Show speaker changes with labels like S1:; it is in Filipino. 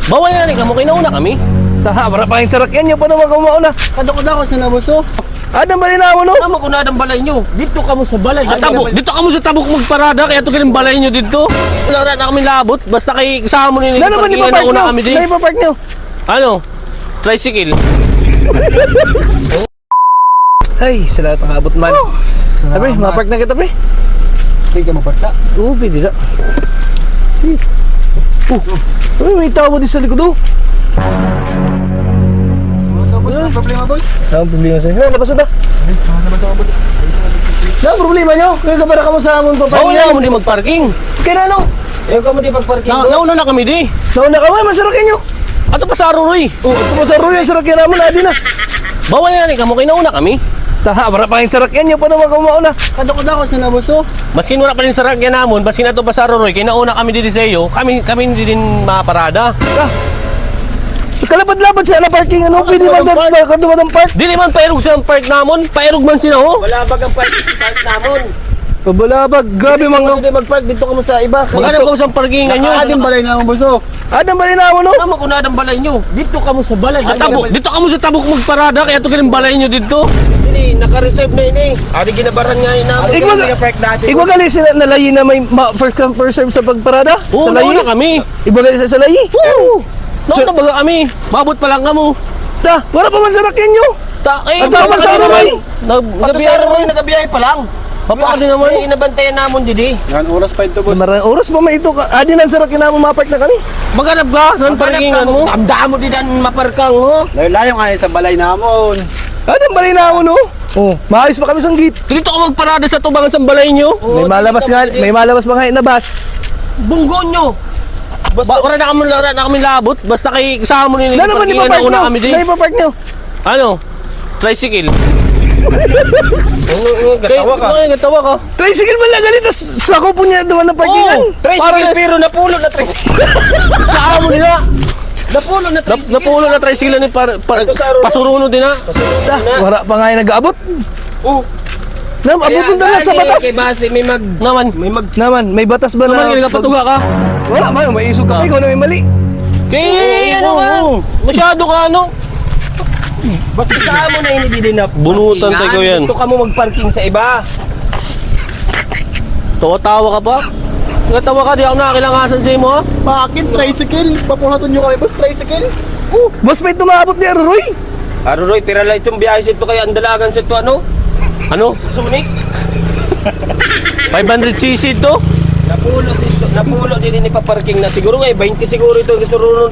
S1: Bawal na rin ka mo, kinauna kami.
S2: Taha, para pa yung sarakyan nyo pa naman kumauna.
S3: Kadako-dako sa nabuso.
S2: Adam ba rin na mo no?
S1: Tama ko na ang balay nyo. Dito ka mo sa balay. Sa
S3: Ay,
S1: tabok.
S3: naman.
S1: Dito ka mo sa tabok magparada. Kaya ito ganun balay nyo dito. Wala na kami labot. Basta kay kasama mo nila.
S2: Na naman ipapark nyo?
S1: kami din.
S2: Na ipapark nyo?
S1: Ano? Tricycle.
S2: Ay, sa lahat ng abot man. Sabi, mapark na kita pre.
S3: Hindi ka maparta.
S2: Oo, pwede na. Uy, may tao mo din sa likod oh.
S3: Boss, ang problema boss.
S2: Ang problema sa'yo. Na, labas na ta.
S3: Naman sa boss.
S2: Na, ang problema nyo? Kaya ka para ka mo sa amon pa
S1: Bawal na kamo di magparking.
S2: Kaya na ano?
S3: Ayaw ka mo di pagparking
S1: Nauna na kami di.
S2: Nauna ka mo, masarakyan nyo.
S1: Ato pa sa Aruroy.
S2: Oo, ito mo sa Roy, ang sarakyan naman, adi na.
S1: Bawal na rin ka mo, kinauna kami.
S2: Taha, para pa yung sarakyan nyo pa naman kumauna.
S3: Kadako-dako sa nabuso.
S1: Maskin wala pa rin sa ragyan namon, baskin ato pa sa Aruroy, kinauna kami di sa iyo, kami hindi din maparada.
S2: Ah, kalapad-lapad sa parking, ano? Pwede
S3: kadumadang
S2: ba
S3: park.
S2: kadumadang park?
S1: Di naman pairog sa park namon, pairog man sila ho.
S3: Wala bag ang park namon.
S2: Pabalabag, grabe mga...
S3: Hindi magpark dito ka mo sa iba.
S1: Maghanap ko sa parkingan nyo.
S3: Nakaadim balay na ang buso.
S2: Adam ba rin na mo no?
S1: Tama ko na ang balay nyo.
S3: Dito ka mo sa balay.
S1: Sa tabok, dito ka mo sa tabok magparada, kaya ito ganun balay nyo dito.
S3: Hindi, naka-reserve na ini. Ari ginabaran nga yun namin.
S2: Igwag- Igwagali sila nalayi na may first come first serve sa pagparada?
S1: Oo,
S2: sa layi?
S1: nauna kami.
S2: Igwagali sa layi?
S1: Oo. Nauna baga kami. Mabot pa lang kamo.
S2: Ta, wala pa man sarakyan nyo.
S1: Eh,
S2: Ang tama sa Aruroy.
S1: Nagabiyahe nagabiyahe pa lang. Papa din naman.
S3: Inabantayan namon didi. Yan, oras pa ito boss.
S2: Marang oras pa may ito ka. Adi nan sarakyan na mo mapark na kami.
S1: Maghanap ka, saan parkingan mo?
S3: Damdaan mo di dan maparkang ho. Layo nga sa balay namon.
S2: Adam ba rin na mo no? Oh, maayos pa kami sa gate.
S1: Dito ka magparada sa tubangan sa balay nyo.
S2: May malabas nga, may malabas ba nga na bus?
S1: Bunggo nyo. Wala na kami labot. Basta kay kasama mo nila.
S2: Na naman ipapark nyo.
S1: kami din.
S2: Na ipapark nyo.
S1: Ano? Tricycle.
S3: Gatawa ka.
S1: Gatawa ka.
S2: Tricycle man lang ganito. Sako po niya doon na parkingan.
S3: Tricycle pero napulo na tricycle.
S1: Sa amo nila.
S3: Napulo na tricycle.
S1: Napulo na tricycle ni pasuruno din na.
S2: Ta, wala pa nga yung nag-aabot.
S3: Oh.
S2: Nam, abot na lang sa batas.
S3: Kay base may mag
S1: Naman.
S2: Naman, may batas ba na?
S1: Naman, nagpatuga ka.
S2: Wala, may isog ka pa. Ikaw na may mali.
S1: Kaya ano ka? Masyado ka ano?
S3: basta sa amo na ini din na.
S1: Bunutan tayo yan.
S3: Dito ka mo magparking sa iba.
S1: Tawa-tawa ka pa? Nagatawa ka, di ako nakakilangasan sa imo ha?
S3: Bakit tricycle? Papulaton nyo kami boss tricycle.
S2: Boss, may tumaabot ni Aruroy.
S3: Aruroy, pira lang itong biyahe sa ito kay andalagan sa ito ano?
S1: Ano?
S3: Sunik.
S1: 500cc to?
S3: Napulo din ni paparking na siguro nga 20 siguro ito